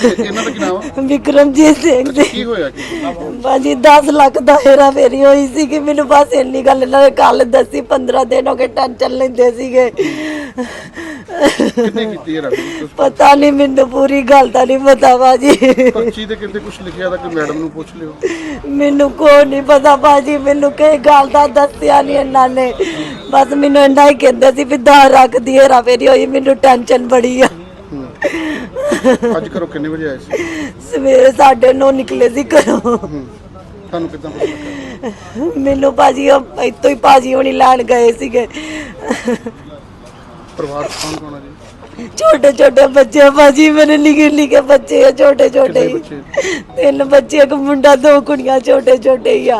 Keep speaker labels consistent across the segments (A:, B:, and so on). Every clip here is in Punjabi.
A: ਇਹਨਾਂ ਦਾ ਕੀ ਨਾਮ ਆ?
B: ਵਿਕਰਮਜੀਤ ਸਿੰਘ ਜੀ।
A: ਕੀ ਹੋਇਆ ਕੀ?
B: ਬਾਜੀ 10 ਲੱਖ ਦਾ ਹੇਰਾ ਫੇਰੀ ਹੋਈ ਸੀ ਕਿ ਮੈਨੂੰ ਬਸ ਇੰਨੀ ਗੱਲ ਇਹਨਾਂ ਨੇ ਕੱਲ ਦੱਸੀ। 15 ਦਿਨ ਹੋ ਗਏ ਟੈਨਸ਼ਨ ਲੈਂਦੇ ਸੀਗੇ।
A: ਕਿੰਨੇ ਕੀਤੀ ਹੈ ਰਾਤੀ?
B: ਪਤਾ ਨਹੀਂ, ਮੈਨੂੰ ਪੂਰੀ ਗੱਲ ਤਾਂ ਨਹੀਂ ਪਤਾ ਬਾਜੀ।
A: ਪਰਚੀ ਤੇ ਕਿਤੇ ਕੁਝ ਲਿਖਿਆ ਤਾਂ ਕਿ ਮੈਡਮ ਨੂੰ ਪੁੱਛ ਲਿਓ।
B: ਮੈਨੂੰ ਕੋਈ ਨਹੀਂ ਪਤਾ ਬਾਜੀ, ਮੈਨੂੰ ਕਈ ਗੱਲ ਦਾ ਦੱਸਿਆ ਨਹੀਂ ਇਹਨਾਂ ਨੇ। ਬਸ ਮੈਨੂੰ ਇੰਨਾ ਹੀ ਕਹਿੰਦੇ ਸੀ ਵੀ 10 ਲੱਖ ਦੀ ਹੇਰਾ ਫੇਰੀ ਹੋਈ। ਮੈਨੂੰ ਟੈਨਸ਼ਨ ਬੜੀ ਆ।
A: ਅੱਜ ਘਰੋਂ ਕਿੰਨੇ ਵਜੇ ਆਏ ਸੀ?
B: ਸਵੇਰੇ 9:30 ਨਿਕਲੇ ਸੀ ਘਰੋਂ।
A: ਤੁਹਾਨੂੰ ਕਿੱਦਾਂ ਪਤਾ ਲੱਗਾ?
B: ਮੈਨੂੰ ਭਾਜੀ ਇੱਥੋਂ ਹੀ ਭਾਜੀ ਹੋਣੀ ਲੈਣ ਗਏ ਸੀਗੇ।
A: ਪਰਿਵਾਰ ਕੌਣ ਕੌਣ ਆ ਜੀ?
B: ਛੋਟੇ ਛੋਟੇ ਬੱਚੇ ਭਾਜੀ, ਮੇਰੇ ਨਿੱਕੇ ਨਿੱਕੇ ਬੱਚੇ ਆ, ਛੋਟੇ ਛੋਟੇ ਹੀ। 3 ਬੱਚੇ, ਇੱਕ ਮੁੰਡਾ 2 ਕੁੜੀਆਂ, ਛੋਟੇ ਛੋਟੇ ਹੀ ਆ।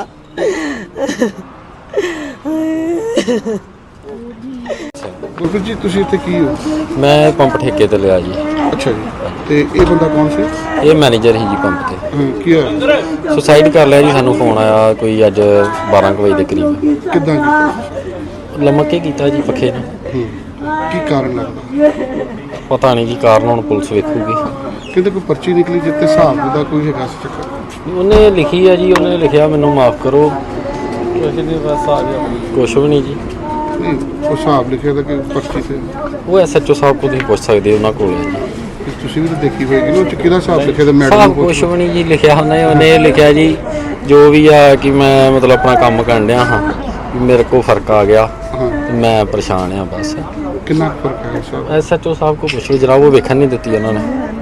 A: ਗੁਰਪ੍ਰੀਤ ਜੀ ਤੁਸੀਂ ਇੱਥੇ ਕੀ ਹੋ?
C: ਮੈਂ ਪੰਪ ਠੇਕੇ ਤੇ ਲਿਆ ਜੀ।
A: ਅੱਛਾ ਜੀ, ਤੇ ਇਹ ਬੰਦਾ ਕੌਣ ਸੀ?
C: ਇਹ ਮੈਨੇਜਰ ਹੀ ਜੀ ਪੰਪ ਤੇ।
A: ਕੀ ਹੋਇਆ?
C: ਸੁਸਾਈਡ ਕਰ ਲਿਆ ਜੀ। ਸਾਨੂੰ ਫੋਨ ਆਇਆ ਕੋਈ ਅੱਜ 12 ਵਜੇ ਦੇ ਕਰੀਬ।
A: ਕਿੱਦਾਂ ਕੀਤਾ?
C: ਲਮਕ ਕੇ ਕੀਤਾ ਜੀ ਪੱਖੇ ਨੇ।
A: ਕੀ ਕਾਰਨ ਲੱਗਦਾ?
C: ਪਤਾ ਨਹੀਂ ਕੀ ਕਾਰਨ, ਹੁਣ ਪੁਲਿਸ ਵੇਖੂਗੀ।
A: ਕਿਤੇ ਕੋਈ ਪਰਚੀ ਨਿਕਲੀ ਜਿੱਤੇ ਹਿਸਾਬ ਦਾ ਕੋਈ ਹੈਗਾ ਸੀ ਚੱਕਰ?
C: ਉਹਨੇ ਲਿਖੀ ਆ ਜੀ, ਉਹਨੇ ਲਿਖਿਆ ਮੈਨੂੰ ਮਾਫ ਕਰੋ। ਬਸ ਆ ਗਿਆ, ਕੁਛ ਵੀ ਨਹੀਂ ਜੀ।
A: ਨਹੀਂ, ਉਹ ਹਿਸਾਬ ਲਿਖਿਆ ਤਾਂ ਕਿ ਪਰਚੀ ਤੇ
C: ਉਹ SHO ਸਾਹਿਬ ਕੋਲ ਤੁਸੀਂ ਪੁੱਛ ਸਕਦੇ ਹੋ, ਉਹਨਾਂ ਕੋਲ ਹੈ ਜੀ।
A: ਤੁਸੀਂ ਵੀ ਤਾਂ ਦੇਖੀ ਹੋਏਗੀ ਨਾ, ਉਹ ਚ ਕਿਹਦਾ ਹਿਸਾਬ ਲਿਖਿਆ ਤਾਂ ਮੈਡਮ
C: ਸਾਹਿਬ
A: ਨੂੰ
C: ਕੁਛ ਵੀ ਨਹੀਂ ਜੀ ਲਿਖਿਆ। ਉਹਨੇ ਲਿਖਿਆ ਜੀ ਜੋ ਵੀ ਆ ਕਿ ਮੈਂ ਮਤਲਬ ਆਪਣਾ ਕੰਮ ਕਰਨ ਡਿਆ ਹਾਂ, ਮੇਰੇ ਕੋਲ ਫਰਕ ਆ ਗਿਆ, ਮੈਂ ਪਰੇਸ਼ਾਨ ਆ ਬਸ।
A: ਕਿੰਨਾ ਫਰਕ ਹੈ ਸਾਹਿਬ?
C: SHO ਸਾਹਿਬ ਕੋਲ ਪੁੱਛ ਲਓ ਜਨਾਬ, ਉਹ ਵੇਖਣ ਨਹੀਂ ਦਿੱਤੀ ਉਹਨਾਂ ਨੇ।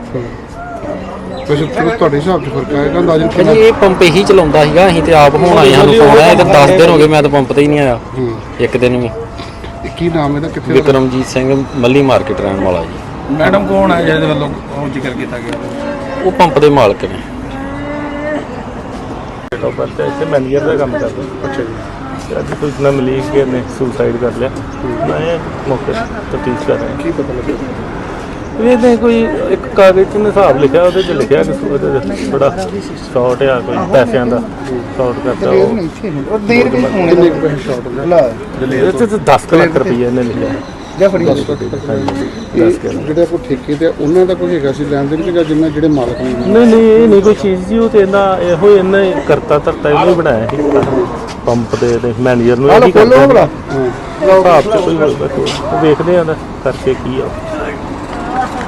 A: ਵੈਸੇ ਤੁਹਾਡੇ ਹਿਸਾਬ 'ਚ ਫਰਕ ਆਏਗਾ ਅੰਦਾਜ਼ਨ ਕਿੰਨਾ?
C: ਇਹ ਪੰਪ ਹੀ ਚਲਾਉਂਦਾ ਸੀਗਾ, ਅਸੀਂ ਤੇ ਆਪ ਹੁਣ ਆਏ, ਸਾਨੂੰ ਫੋਨ ਆਇਆ। ਇਹ ਤਾਂ 10 ਦਿਨ ਹੋ ਗਏ, ਮੈਂ ਤਾਂ ਪੰਪ ਤੇ ਹੀ ਨਹੀਂ ਆਇਆ ਇੱਕ ਦਿਨ ਵੀ।
A: ਕੀ ਨਾਮ ਇਹਦਾ? ਕਿੱਥੇ?
C: ਵਿਕਰਮਜੀਤ ਸਿੰਘ, ਮੱਲੀ ਮਾਰਕੀਟ ਰਹਿਣ ਵਾਲਾ ਜੀ।
D: ਮੈਡਮ ਕੌਣ ਹੈ ਜਿਹਦੇ ਵੱਲੋਂ ਉਹ ਜ਼ਿਕਰ ਕੀਤਾ ਗਿਆ?
C: ਉਹ ਪੰਪ ਦੇ ਮਾਲਕ ਨੇ।
E: ਇੱਥੇ ਮੈਨੇਜਰ ਦਾ ਕੰਮ ਕਰਦਾ।
A: ਅੱਛਾ ਜੀ,
E: ਅੱਜ ਸੂਚਨਾ ਮਿਲੀ ਕਿ ਇਹਨੇ ਸੁਸਾਈਡ ਕਰ ਲਿਆ। ਮੈਂ ਮੌਕੇ ਤਫਤੀਸ਼ ਕਰ ਰਿਹਾ।
A: ਕੀ ਪਤਾ ਲੱਗਿਆ?
E: ਇਹਨੇ ਕੋਈ ਇੱਕ ਕਾਗਜ਼ 'ਚ ਹਿਸਾਬ ਲਿਖਿਆ, ਉਹਦੇ 'ਚ ਲਿਖਿਆ ਕਿ ਉਹਦੇ ਬੜਾ ਸ਼ਾਰਟ ਆ, ਕੋਈ ਪੈਸਿਆਂ ਦਾ ਸ਼ਾਰਟ ਕਰਦਾ।
A: ਕਿੰਨੇ ਕੁ ਪੈਸੇ ਸ਼ਾਰਟ ਹੋਏ?
E: ਇਹਦੇ 'ਚ 10 ਲੱਖ ਰੁਪਈਆ ਇਹਨੇ ਲਿਖਿਆ।
A: ਜਿਹੜੇ ਆਪਾਂ ਠੇਕੇ ਤੇ ਉਹਨਾਂ ਦਾ ਕੋਈ ਹੈਗਾ ਸੀ ਲੈਣ ਦੇਣ ਕਿ ਜਿੰਨਾ ਜਿਹੜੇ ਮਾਲਕ ਨੇ?
E: ਨਹੀਂ ਇਹ ਨਹੀਂ ਕੋਈ ਚੀਜ਼ ਜੀ, ਉਹ ਤੇ ਇਹੋ ਇਹਨੇ ਕਰਤਾ ਧਰਤਾ ਇਹਨੇ ਹੀ ਬਣਾਇਆ ਸੀ ਪੰਪ ਦੇ ਮੈਨੇਜਰ ਨੂੰ। ਇਹ ਹਿਸਾਬ 'ਚ ਕੋਈ ਵੇਖਦੇ ਆ ਕਰਕੇ ਕੀ ਆ।